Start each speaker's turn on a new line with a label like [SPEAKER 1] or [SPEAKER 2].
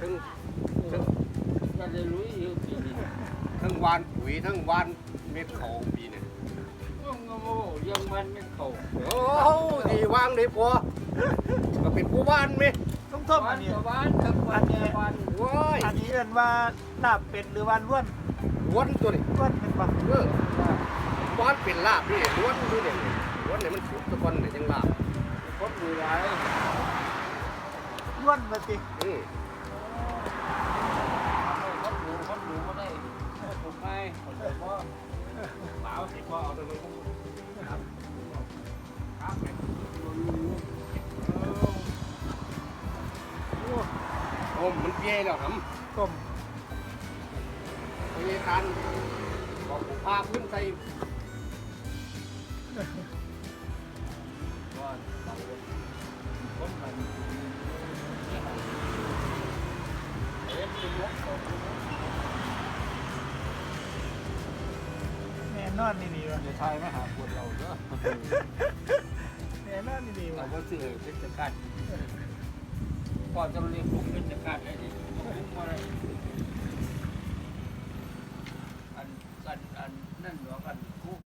[SPEAKER 1] ทั้ง
[SPEAKER 2] จะได้รู้อยู่ปีนี้
[SPEAKER 1] ทั้งวานปุ๋ยทั้งวานเม็ดเขาปีนี่
[SPEAKER 2] ยังโง่ยังมันไม่เข้า
[SPEAKER 1] โอ้ดีวางได้พอก็เป็นผู้บ้านไหม
[SPEAKER 3] ทุ่ม
[SPEAKER 2] บ้า
[SPEAKER 3] อั
[SPEAKER 2] น
[SPEAKER 3] นนี้
[SPEAKER 2] กับบ้านทั้งวันทั้งวัน
[SPEAKER 1] ว้าย
[SPEAKER 3] อันนี้เอิ้นว่าลาบเป็ดหรือว่าล้วน
[SPEAKER 1] ล้วนตัวนี้
[SPEAKER 3] ล้วนเป็นปะ
[SPEAKER 1] ล้วนเป็นลาบนี่ล้วนดูเนี่ยล้วนเนี่ยมันสุกตะกอนเนี่ยยังลาบ
[SPEAKER 2] คนดูหลาย
[SPEAKER 3] ล้วนมาสิ
[SPEAKER 1] อืม
[SPEAKER 2] คนดูก็ได้ผมให้คนเดียวก็
[SPEAKER 1] สาวสิพ่อเอาตรงนี้ครับครับโอ้มันเปี้ยแล้วครับ
[SPEAKER 3] ต้ม
[SPEAKER 1] พยาการบอกผมพาขึ้นใส่
[SPEAKER 2] ว่าบางคนมันเอ็นเป็นลบ
[SPEAKER 3] แน่นอนนี่ดีวะ
[SPEAKER 2] จะทายมาหาคนเราเนอะ
[SPEAKER 3] แน่นอนนี่ดี
[SPEAKER 2] เรา
[SPEAKER 3] วะ
[SPEAKER 2] ก็ซื้อเป็นจักรพอจะเรียกผมเป็นจักรได้ดิ